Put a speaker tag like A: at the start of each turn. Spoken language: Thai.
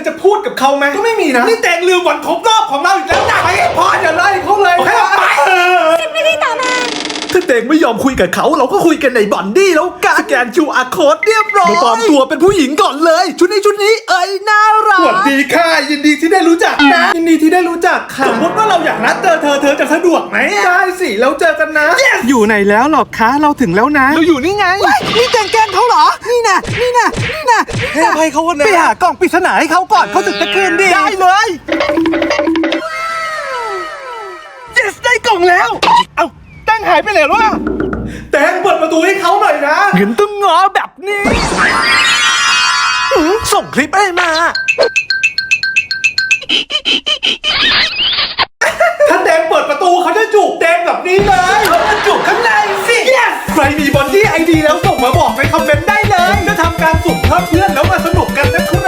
A: จะพูดกับเขาไหมก็ไม่มีนะนี่แตงลืมวันครบรอบของเราอีกแล้วนะไปพออย่าไล่เขาเลยโอเคไป
B: 10 นาทีต่อมา
C: ถ้าเด็กไม่ยอมคุยกับเขาเราก็คุยกันในบอนดี้แล้วกันสแกน QR code เรียบร้อยปลอมตัวเป็นผู้หญิงก่อนเลยชุดนี้เอ้ยน่ารัก
A: สวัสดีค่ะยินดีที่ได้รู้จักนะยินดีที่ได้รู้จักค่ะสมมติว่าเราอยากนัดเธอจะสะดวกไหมได้สิแล้วเจอกันนะ
C: อยู่ไหนแล้วหรอคะเราถึงแล้วนะเราอยู่นี่ไงนี่แกล้งเขาเหรอนี่นะให้อภัยเขาวันนะไปหากล่องปริศนาให้เขาก่อนเขาถึงจะคืนดีได้เลย yes ได้กล่องแล้วเอ้าแตงหายไปไหนวะ
A: แตงเปิดประตูให้เขาหน่อยนะ
C: เงินต้องงอแบบนี้ส่งคลิปให้มา
A: ถ้าแตงเปิดประตูเขาจะจูบแตงแบบนี้เลยเขาจะจูบข้างในสิ yes ใครมีบอนดี้ไอดีแล้วส่งมาบอกในคอมเมนต์ได้เลยจะทำการสุ่มเพิ่มเพื่อนแล้วมาสนุกกันนะครับ